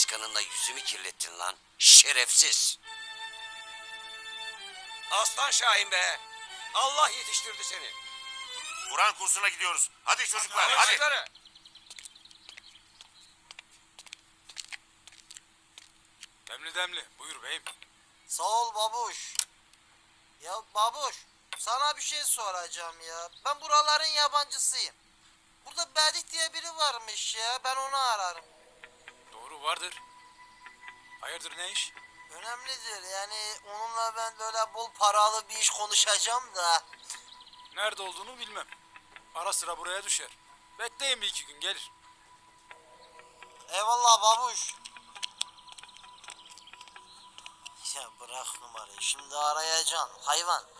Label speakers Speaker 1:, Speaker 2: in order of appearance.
Speaker 1: başkanınla yüzümü kirlettin lan. Şerefsiz. Aslan Şahin be. Allah yetiştirdi seni.
Speaker 2: Kur'an kursuna gidiyoruz. Hadi çocuklar, hadi.
Speaker 1: Çocukları.
Speaker 3: Demli demli. Buyur beyim.
Speaker 4: Sağ ol babuş. Ya babuş, sana bir şey soracağım ya. Ben buraların yabancısıyım. Burada Bedik diye biri varmış ya. Ben onu ararım.
Speaker 3: Doğru vardır. Hayırdır ne iş?
Speaker 4: Önemlidir yani onunla ben böyle bol paralı bir iş konuşacağım da.
Speaker 3: Nerede olduğunu bilmem. Ara sıra buraya düşer. Bekleyin bir iki gün gelir.
Speaker 4: Eyvallah babuş. Ya bırak numarayı, şimdi arayacaksın hayvan.